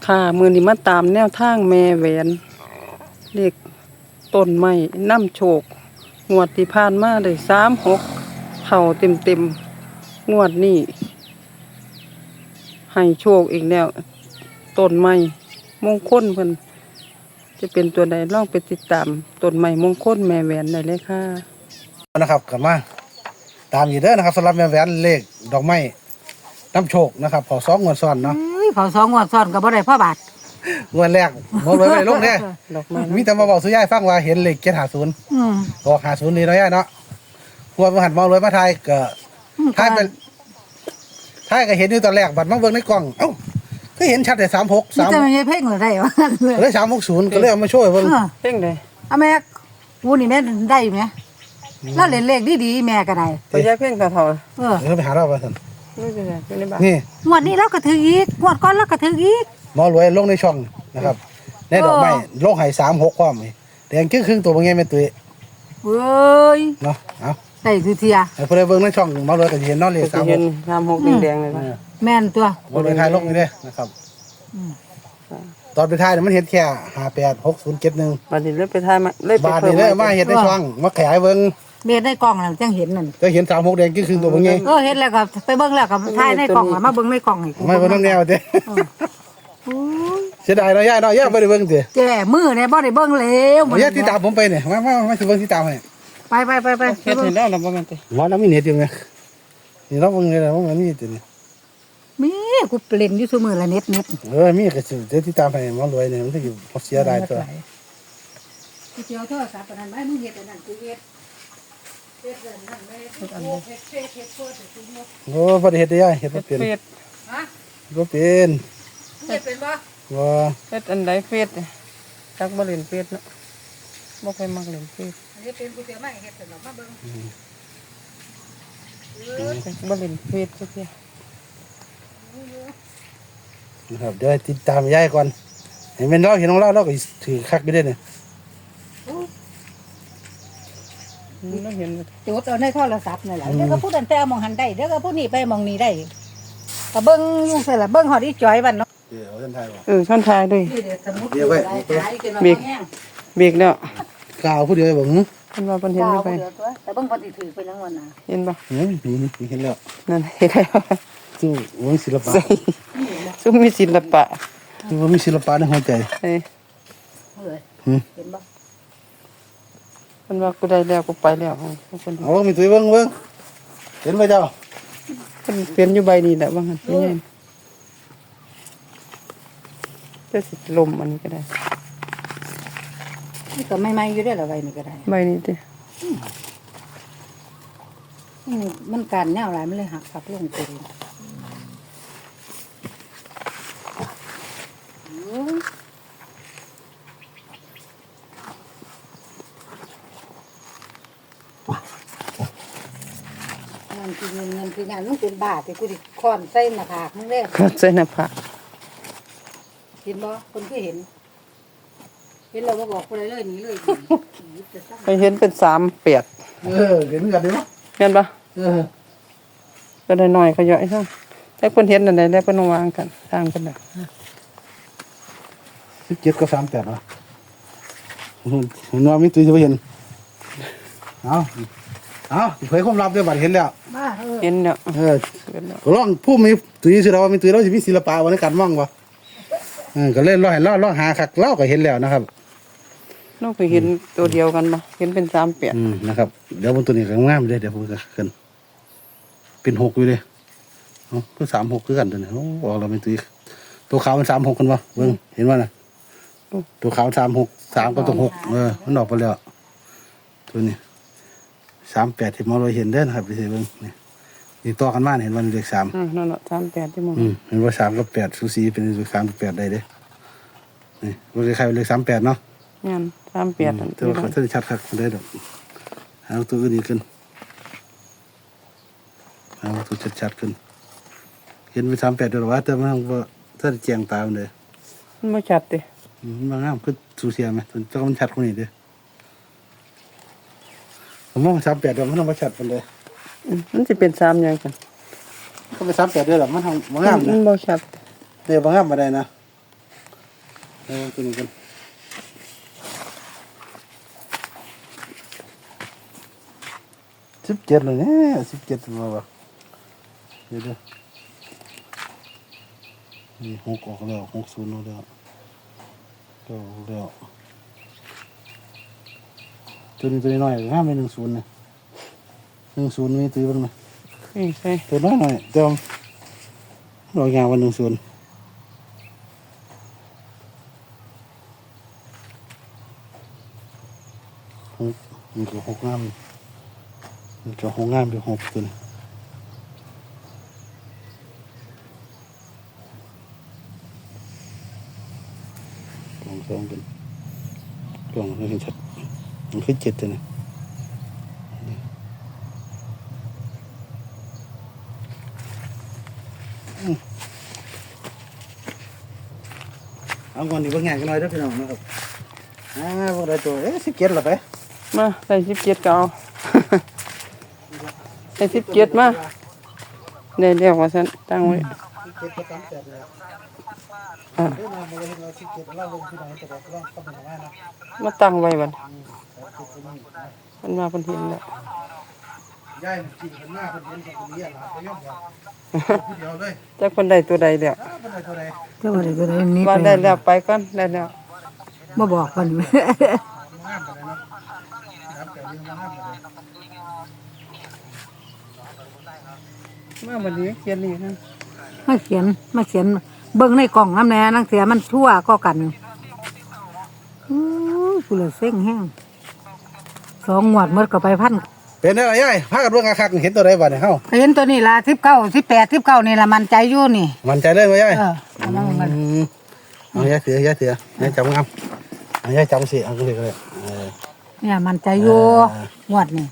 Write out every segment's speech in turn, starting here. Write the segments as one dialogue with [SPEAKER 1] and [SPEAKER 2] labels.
[SPEAKER 1] ค่ะมือนี้มาตามแนวทางแม่แหวนเลขต้นไม้น้ำโชคงวดที่ผ่านมาได้36เข้าเต็มงวดนี้ให้โชคอีกแล้วต้นไม้มงคลเพิ่นจะเป็นตัวใดลองไปติดตามต้นไม้มงคลแม่แหวนได้เลยค่ะ
[SPEAKER 2] นะครับกลับมาตามอยู่เด้อนะครับสำหรับแม่แหวนเลขดอกไม้น้ำโชคนะครับขอ2 งวดซ้อนเนาะ
[SPEAKER 3] เขา2 งวดซ้อนก็บ่ได้พ่อบาท
[SPEAKER 2] งวดแรกหมดเลยลงเด้
[SPEAKER 1] ดอกไม้
[SPEAKER 2] มีแต่มาบอกสุยายฟังว่าเห็นเลข750ก็50นี่เนาะยายเนาะหัวมาหันมองเลยมาทายก็ทายไปทายก็เห็นอยู่ตอนแรกบัดมาเบิ่งในกล้องเอ้าก็เห็นชัดแต่36
[SPEAKER 3] นี่จะไม่ใช่เพ่งหรือได้วะ
[SPEAKER 2] เลย360ก็เลยเอามาโชว์ให้เบิ่ง
[SPEAKER 1] เพ่งได้
[SPEAKER 3] เอาแม่กูนี่แม่ได้ไหมแล้วเล่นเลขดีๆแม่ก็ได้
[SPEAKER 1] ไปย้ายเพ่งเท่า
[SPEAKER 3] เออ
[SPEAKER 2] เดี๋ยวไปหาเราไปซั่น
[SPEAKER 1] ๆนี่เป็นไงเป็นในบ้าน
[SPEAKER 2] นี่
[SPEAKER 3] งวดนี้เราก็ถืออีกงวดก่อนเราก็ถืออีก
[SPEAKER 2] หมอรวยลงในช่องนะครับในดอกไม้ลงให้36ความนี่แดงครึ่งตัวบ่ไงแม่ตุ้ย
[SPEAKER 3] เว้ย
[SPEAKER 2] เนาะเอา
[SPEAKER 3] ได้คือเทีย
[SPEAKER 2] ให้ผู้ใดเบิ่งในช่องหมอรวยก็สิเห็นเนาะเลข
[SPEAKER 1] จะเห็น36แดงๆเลย
[SPEAKER 3] แม่นตัว
[SPEAKER 2] บนท้ายลงนี่เด้นะครับตอนไปท้ายเนี่ยมันเห็นแค่586071
[SPEAKER 1] บัดนี้เลยไปทายมาเลยไป
[SPEAKER 2] บาท
[SPEAKER 1] เพิ่
[SPEAKER 2] นี่
[SPEAKER 1] ม
[SPEAKER 2] เลยมาเห็นในช่องมาขยายเบิ่ง
[SPEAKER 3] เบียดได้กล้องแล้วจังเห็นนั่น
[SPEAKER 2] จะเห็น36แดงคือตัวบ่ไง
[SPEAKER 3] เห็นแล้วก็ไปเบิ่งแล้วก็ถ่ายในกล้องแล้วมาเบิ่งในกล้องให้กู
[SPEAKER 2] ไม่เบิ่งน้ำแนวเด้
[SPEAKER 3] โอ้ย
[SPEAKER 2] เสียดายเนาะย่าเนาะย่าบ่ได้เบิ่งติ
[SPEAKER 3] แก่มือเนี่ยบ่ได้เบิ่งแล้ว
[SPEAKER 2] ย่าที่ตามผมไปเนี่ยมาสิเบิ่งที่ตามให้
[SPEAKER 3] ไป
[SPEAKER 1] เฮ็ดให้แล้วล่ะบ่แม่นติ
[SPEAKER 2] ว่าน้ำมีเน็ตอยู่ไงนี่เราเบิ่งเลยนะว่ามันมีตินี่
[SPEAKER 3] มีกูเล่นอยู่ซุมื้อละเน็ต
[SPEAKER 2] มีก็สิเดี๋ยวที่ตามให้หมอรวยเนี่ยมันสิบ่เสียดายตัว
[SPEAKER 3] กูเจียวโทรศัพท์อันนั้นไว้มึงเฮ็ดอันนั้นกูเฮ็ดเฮ็ดอันนั้นไม่เฮ็ดโคตรกูงก
[SPEAKER 2] โอ้บ่ได้เฮ็ดได้ย่าเฮ็ดบ่เป็น
[SPEAKER 1] เฟซ
[SPEAKER 3] ฮะ
[SPEAKER 2] บ่เป็น
[SPEAKER 3] เฮ็ดเป็นบ่
[SPEAKER 2] บ่
[SPEAKER 1] เฮ็ดอันใดเฟซจักบ่เล่นเฟซเนาะบ่ค่อยมักเล่นเฟซ
[SPEAKER 3] อันนี้เป็นกูเจียวมาเฮ็ดเป็นมาเบิ่ง
[SPEAKER 1] บ่เล่นเฟซจักเที่ย
[SPEAKER 2] นะครับเดี๋ยวติดตามย่าก่อนเห็นเป็นเราเห็นของเราก็ถือคักอยู่เด้เนี่ย
[SPEAKER 1] เราเห็น
[SPEAKER 3] จุดเอาในโทรศัพท์นั่นแหละเดี๋ยวก็พูดอันแต่เอามองหันได้เดี๋ยวก็พูดนี่ไปมองนี่ได้ก็เบิ่งอยู่ซั่นล่ะเบิ่งฮอดอีจ้อยวันเนาะ
[SPEAKER 2] เดี๋ยวท่านไทยบอก
[SPEAKER 1] ช่อนทายด้วย
[SPEAKER 3] นี่เดี๋ยวสมุด
[SPEAKER 2] เดี๋ยวไว้
[SPEAKER 1] เบรกเบรกแล้ว
[SPEAKER 2] กล่าวผู้เดียวบอก
[SPEAKER 1] เพิ่นว่าเพิ่นเห็นอยู่ไป
[SPEAKER 3] แต่เบิ่งพอสิถือไปทั้งวันน่ะ
[SPEAKER 1] เห็นบ่
[SPEAKER 2] นี่เห็นแล้ว
[SPEAKER 1] นั่นเห็นแล้ว
[SPEAKER 2] สู้วงศิลปะ
[SPEAKER 1] ใส่ซุมมีศิลปะ
[SPEAKER 2] สู้ว่ามีศิลปะในหัวใจ
[SPEAKER 1] เอ้ย
[SPEAKER 3] เห็นบ่
[SPEAKER 1] เพิ่นว่ากูได้แล้วกูไปแล้วเพิ่น
[SPEAKER 2] เอามีตัวเบิ้งเห็นไหมเจ้า
[SPEAKER 1] เพิ่นเปลี่ยนอยู่ใบนี้แหละว่างั้นเป็นไงจะสิลมอันนี้ก็ได้
[SPEAKER 3] นี่ก็ไม่ๆอยู่ได้อละไว้นี่ก็ได้
[SPEAKER 1] ใบนี้ติ
[SPEAKER 3] มันการแนวหลายมันเลยหักกลับลงไปเลยมันคือเงินคืองานมึงเป็นบาทแต่กูดิคอนใส่หน้าผากมึงเด้
[SPEAKER 1] ก็ใส่หน้าผาก
[SPEAKER 3] เห็นบ่คนคือเห็นเราบ่บอกคนเลยเลยหนีเลย
[SPEAKER 1] ไปเห็นเป็น38
[SPEAKER 2] เห็นกันดิมั้ย
[SPEAKER 1] แม่นบ่ก็ได้น้อยก็ย่อยซั่นแต่เพิ่นเห็นอันใดได้เพิ่นวางกันทางเพิ่นน่ะ
[SPEAKER 2] 17 กับ 38เหรอเห็นว่ามีตัวจะเห็นเอาเผยความลับด้วยบัดเห็นแล้ว
[SPEAKER 3] บ้า
[SPEAKER 1] เห็นแล้ว
[SPEAKER 2] ก็ลองผู้มีตัวสิเราว่ามีตัวเราสิมีศิลปะวันในการมองบ่ก็เล่นร้อยหาคักเราก็เห็นแล้วนะครับ
[SPEAKER 1] น้องไปเห็นตัวเดียวกันบ่เห็นเป็น38
[SPEAKER 2] นะครับเดี๋ยวบนตัวนี้ก็งามเลยเดี๋ยวผมจะขึ้นเป็น6อยู่เลยก็36คือกันตัวนี้บอกเราเป็นตัวขาวมัน36กันบ่เบิ่งเห็นบ่น่ะตัวขาว36 3กับตัว6มันออกไปแล้วตัวนี้38ที่มองเราเห็นเด้อนะครับไปเบิ่งนี่ต่อกันมาเห็นว่าเลข3
[SPEAKER 1] นั่นน่ะ38ที่มอง
[SPEAKER 2] เห็นว่า3กับ8สูสีเป็นเลข3กับ8ได้เด้นี่บ่ได้ใครเลข38เนาะ
[SPEAKER 1] งาน38นั่น
[SPEAKER 2] แต่ว่าเขาจะชัดครับได้ดอกเอาตัวอื่นอีกขึ้นเอาตัวชัดๆขึ้นเห็นไป38ด้วยหรอวะแต่มันว่าถ้าแจ้งตามเลย
[SPEAKER 1] มันบ่ชัดติ
[SPEAKER 2] มันงามคือสูเสียไหมตัวเจ้ามันชัดคนนี้เด้อผมว่า38ด้วยมันต้องมาชัดกันเลย
[SPEAKER 1] มันสิเป็น3อย่างกัน
[SPEAKER 2] ก็ไป38ด้วยหรอมันทำมันงาม
[SPEAKER 1] มั
[SPEAKER 2] นะ
[SPEAKER 1] นบ่ชัด
[SPEAKER 2] เดี๋ยวมันงามมาได้นะตัวนี้กัน17เลยเนี่ย17ตัวบ่เดี๋ยวนี่6ออกแล้ว60ออกแล้วก็ออกแล้วตัวนี้น้อยห้ามไป10เนี่ย10มีตีบ้างไหม
[SPEAKER 1] นี่ใช่
[SPEAKER 2] ตัวน้อยหน่อยเติมรอยงานวัน10มันก็6งามมันก็6งามอยู่6ตัวนี้กล่อง2เป็นกล่องให้เห็นชัดมันคือ7ตัวนี้เอาก่อนดีบางอย่างกันหน่อยเด้อพี่น้องนะครับพวกใดตัว17ละไป
[SPEAKER 1] มาใส่17ก็เอา ใส่17มาได้แล้วว่าซั่นตั้งไว้
[SPEAKER 2] 17ก็38แล้ว
[SPEAKER 1] อ่ะ
[SPEAKER 2] เด้อมาบ่ได้เห็นว่า17เราลงที่ไหนแต่ก็ลองเข้าไปหานะ
[SPEAKER 1] มาตั้งไว้บัดมันมาเพิ่นเห็นแล้ว
[SPEAKER 2] ย้ายมันกินเพิ่นมาเพิ่นเห็นเพิ่นเรียกหลานก็ยอมผู้เดียวเลย
[SPEAKER 1] จักเพิ่นได้ตัวใดแล้ว
[SPEAKER 2] เพิ่นได้เท่าใด
[SPEAKER 3] เจ้าอะไรก็ได้นี่
[SPEAKER 1] ว่าได้แล้วไปก่อนได้แล้ว
[SPEAKER 3] บ่บอกกัน
[SPEAKER 2] งามปานใดเนาะครับแต่ยังงามปานใด
[SPEAKER 1] มาบัดนี้เขียนนี่นะ
[SPEAKER 3] มาเขียนเบิ่งในกล่องน้ำแน่นังเสียมันทั่วก็กันกูเลยเซ็งแห้ง2 งวดหมดก็ไปพัน
[SPEAKER 2] เป็นได้ล่ะยายพากันเบิ่งคักๆเห็นตัวใดบัดนี่เฮา
[SPEAKER 3] เห็นตัวนี้ละ19 18 19นี่ละมันใจอยู่นี่
[SPEAKER 2] มั่นใจเลยบ่ยาย
[SPEAKER 3] เอามามัน
[SPEAKER 2] เอายายถือยายจับงามเอายายจับสิเอาก็เลย
[SPEAKER 3] เนี่ยมันใจอยู่
[SPEAKER 2] อ่า
[SPEAKER 3] งวดนี่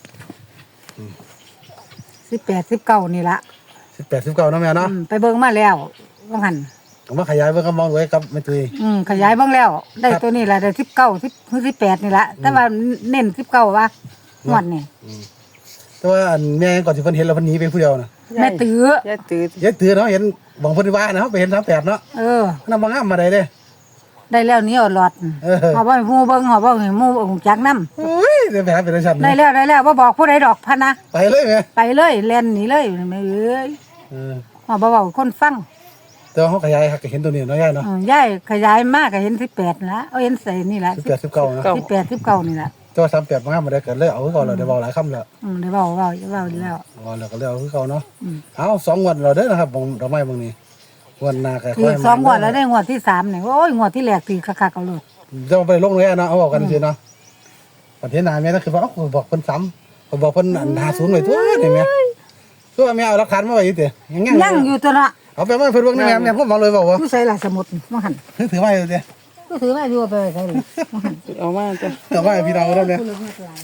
[SPEAKER 3] 18 19นี่ละ
[SPEAKER 2] 18 19เนาะแม่เนาะ
[SPEAKER 3] ไปเบิ่งมาแล้วว่าหั่น
[SPEAKER 2] ก็มาขยายเบิ่งก็มองไว้กับแม่ตุ้ย
[SPEAKER 3] ขยายเบิ่งแล้ว ได้ตัวนี้ละได้18นี่ละแต่ว่าเน้น19ว่างวดนี่
[SPEAKER 2] แต่ว่าอันแม่ก่อนสิเพิ่นเห็นแล้วเพิ่นหนีไปผู้เดียวน่ะ
[SPEAKER 3] แม่ตื้อย
[SPEAKER 1] ายตื้อย
[SPEAKER 2] ายตือเนาะเห็นบ่งเพิ่นว่านะเฮาไปเห็น38เนาะ นำบ่งามมาได้เด้
[SPEAKER 3] ได้แล้วนี่เอาหลอดหอบว่าหมู่เบิ่งหอบว่าหมู่องจักนำ
[SPEAKER 2] โอ้ยได้ไปหาเป็นชั้น
[SPEAKER 3] ได้แล้วบ่บอกผู้ใดดอกพะนะ
[SPEAKER 2] ไปเลยแม่
[SPEAKER 3] ไปเลยแล่นหนีเลยแม่เอ้ยหอบบ่เว้าคนฟัง
[SPEAKER 2] แต่ว่าเฮาขยายหักก็เห็นตัวนี้เนาะยายเนาะ
[SPEAKER 3] ยายขยายมากก็เห็น18นั่นละเอาเห็นใส่นี่ละ
[SPEAKER 2] 18 19นะ
[SPEAKER 3] 18 19นี่ละ
[SPEAKER 2] แต่ว่า38บ่งามมาได้ก็เลยเอาคือเก่าแล้วได้เว้าหลายคำแล้ว
[SPEAKER 3] ได้เว้าดีแล้ว
[SPEAKER 2] ว่าแล้วก็เลยเอาคือเก่าเนาะเอา2งวดแล้วเด้อนะครับบ่ดอกไม้เบิ่งนี้งวดหน้าก็
[SPEAKER 3] อีก2งวดแล้วได้งวดที่3นี่โอ้ยงวดที่แรกตีคักๆเอาเลย
[SPEAKER 2] จะไปลงเลยเนาะเอาบอกกันซื่อเนาะประเทศหน้าแม่ก็คือว่าเขาบอกเพิ่นซ้ำเขาบอกเพิ่นอัน50ไว้ตัวนี่แม่ตัวแม่เอาหลักฐานมาไว้อยู่ติยัง
[SPEAKER 3] ยังอยู่ตัวละ
[SPEAKER 2] เอาไปมาเพิ่นเบิ่งนี่แม่ผมบอกเลยบอกว่า
[SPEAKER 3] ผู้ใส่ละสมุดบ่หั่น
[SPEAKER 2] ถือไว้อยู่ติ
[SPEAKER 3] ก็ถือว่าอยู่ไปใส่เลยบ่หั่น
[SPEAKER 1] เอามาจ้ะ
[SPEAKER 2] เอาไว้พี่น้องเด้อแม่
[SPEAKER 3] ผู้เลือกหลาย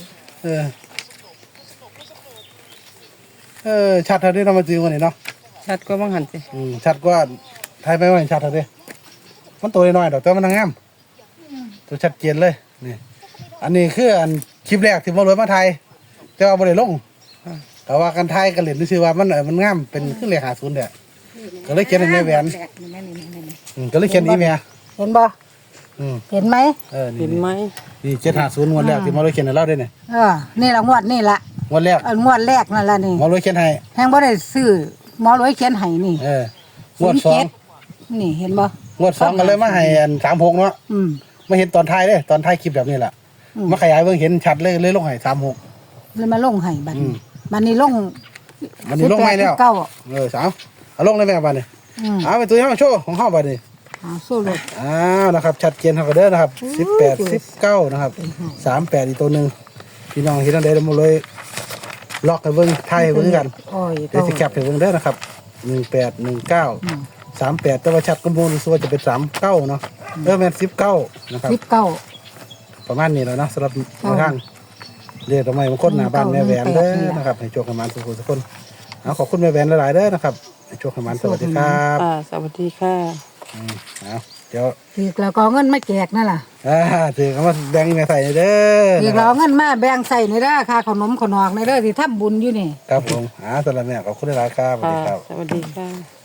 [SPEAKER 2] ชัดเท่านี้เรามาจื้อวันนี้เนาะ
[SPEAKER 1] ชัดก็บังหันสิ
[SPEAKER 2] ชัดกว่าไทยไปว่าชัดเท่านี้มันตัวน้อยดอกแต่มันงามตัวชัดเจนเลยนี่อันนี้คืออันคลิปแรกที่มาเลยมาไทยแต่ว่าบ่ได้ลงแต่ว่ากันไทยกันเล่นซื่อว่ามันงามเป็นคือเลข50เด้อก็เลยเขียนให้แม่แหวนก็เลยเขียนอีแม่
[SPEAKER 3] เห็นบ่ เห็นไหม
[SPEAKER 2] นี่
[SPEAKER 1] เห็นไหม
[SPEAKER 2] นี่750งวดแรกที่มาเลยเขียนให้เราด้วยนี่
[SPEAKER 3] นี่ละงวดนี่ละ
[SPEAKER 2] งวดแรก
[SPEAKER 3] งวดแรกนั่นละนี่
[SPEAKER 2] มาเลยเขียนให้
[SPEAKER 3] แฮงบ่ได้ซื้อหมอรวยเขียนให้นี่
[SPEAKER 2] งวดสอง
[SPEAKER 3] นี่เห็นบ่
[SPEAKER 2] งวด2ก็เลยมาให้อัน36เนาะ มาเห็นตอนท้ายเด้ตอนท้ายคลิปแบบนี้แหละมาขยายเบิ่งเห็นชัดเลยลงให้36
[SPEAKER 3] เลยมาลงให้บัดนี้บัดนี้ลง
[SPEAKER 2] มันนี้ลงไม่แล้ว
[SPEAKER 3] 19
[SPEAKER 2] สาวเอาลงเลยแม่บัดนี้เอาไปตัวนี้มาโชว์ของเฮาบัดนี้
[SPEAKER 3] สู้รถ
[SPEAKER 2] นะครับชัดเจนเฮาก็เด้อนะครับ18 19นะครับ38อีกตัวนึงพี่น้องเห็นอันใดแล้วมาเลยล็อกให้เบิ่งไทยให้เบิ่งกัน
[SPEAKER 3] โอ้ย
[SPEAKER 2] เดี๋ยวสิแคปให้เบิ่งเด้อนะครับ18 19 38แต่ว่าชัดกว่าหมู่รู้สึกว่าจะเป็น39เนาะแม่น19นะครับ
[SPEAKER 3] 19
[SPEAKER 2] ประมาณนี้แล้วเนาะสำหรับทางเรียกทำไมบางคนหน้าบ้านแม่แหวนเด้อนะครับให้โชคให้มันทุกคนเอาขอบคุณแม่แหวนหลายๆเด้อนะครับให้โชคให้มันสวัสดีครับ
[SPEAKER 1] สวัสดีค่ะ
[SPEAKER 2] เอาเดี๋ยว
[SPEAKER 3] อีกแล้วก็เอาเงินมาแจกนั่นล่ะ
[SPEAKER 2] ถือคำว่าแดงแม่ใส่เด้อ
[SPEAKER 3] อีกแล้วเอาเงินมาแบ่งใส่ในเด้อค่าขนมขนอกในเด้อที่ทำบุญอยู่นี่
[SPEAKER 2] ครับผมสำหรับแม่ขอบคุณหลายๆครับสวัสดีครับ
[SPEAKER 1] สวัสดีค่ะ